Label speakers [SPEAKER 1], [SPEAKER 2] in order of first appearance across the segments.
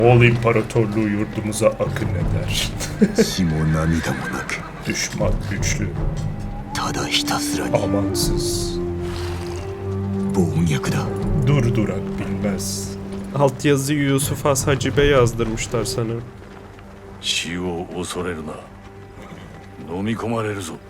[SPEAKER 1] Moğol İmparatorluğu yurdumuza akın eder.
[SPEAKER 2] 血も涙もなく
[SPEAKER 1] Düşman güçlü,
[SPEAKER 2] ただひたすらに
[SPEAKER 1] amansız,
[SPEAKER 2] 暴虐だ
[SPEAKER 1] durdurak bilmez.
[SPEAKER 3] Altyazıyı Yusuf Has Hacibe yazdırmışlar sanırım.
[SPEAKER 4] 死を恐れるな。飲み込まれるぞ。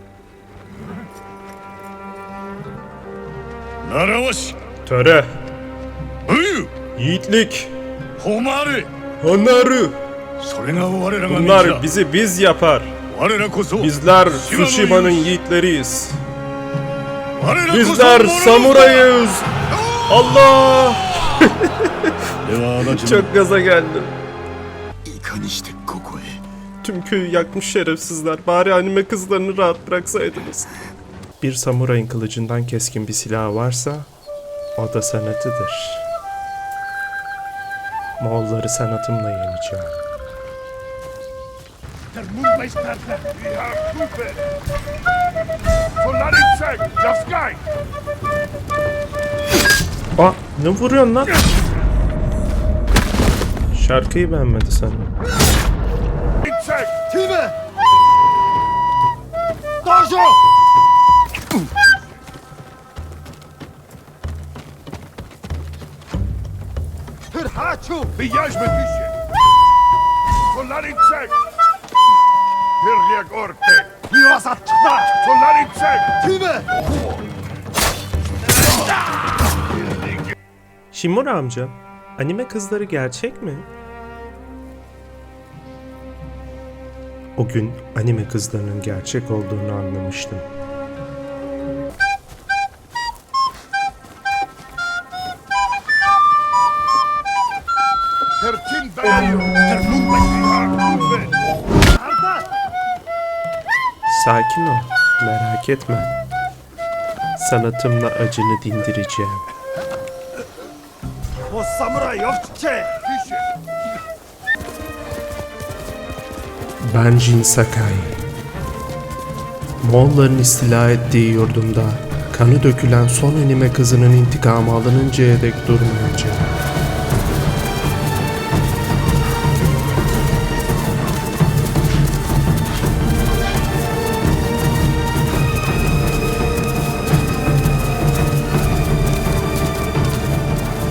[SPEAKER 4] 習わし、
[SPEAKER 1] Töre,
[SPEAKER 4] 武勇、
[SPEAKER 3] Yiğitlik,
[SPEAKER 4] 誉れ、
[SPEAKER 3] onarı.
[SPEAKER 4] それが我らが道
[SPEAKER 3] Bunlar
[SPEAKER 4] だ。
[SPEAKER 3] bizi biz yapar.
[SPEAKER 4] 我らこそ
[SPEAKER 3] Bizler Tsushima'nın yiğitleriyiz.
[SPEAKER 4] 我らこそ
[SPEAKER 3] Bizler samurayız. Allah!
[SPEAKER 4] では足立の
[SPEAKER 3] Çok gaza geldim.
[SPEAKER 2] いかにしてここへ
[SPEAKER 3] Tüm köyü yakmış şerefsizler. Bari anime kızlarını rahat bıraksaydınız. Bir samurayın kılıcından keskin bir silahı varsa o da sanatıdır. Moğolları sanatımla yeneceğim.
[SPEAKER 5] Der Mundmeister, wir haben Kupe! Solaritschek, Jaskaj!
[SPEAKER 3] Aa, ne vuruyorsun lan? Şarkıyı beğenmedi sanırım.
[SPEAKER 5] Itschek!
[SPEAKER 2] Time! Dojo!
[SPEAKER 5] Hachu! Wyjaźmy pisie! Solaritschek! Pyrliak orte! Miłasatna! Solaritschek!
[SPEAKER 2] Time!
[SPEAKER 3] Shimura amca, anime kızları gerçek mi? O gün anime kızlarının gerçek olduğunu anlamıştım.
[SPEAKER 5] Der Tinberio! Der Mundmeister, Kupe! Arda!
[SPEAKER 3] Sakin ol, merak etme. Sanatımla acını dindireceğim.
[SPEAKER 5] O samuray ovçe! Pisie!
[SPEAKER 3] Ben Jin Sakai. Moğolların istila ettiği yurdumda kanı dökülen son anime kızının intikamı alınıncaya dek durmayacağım.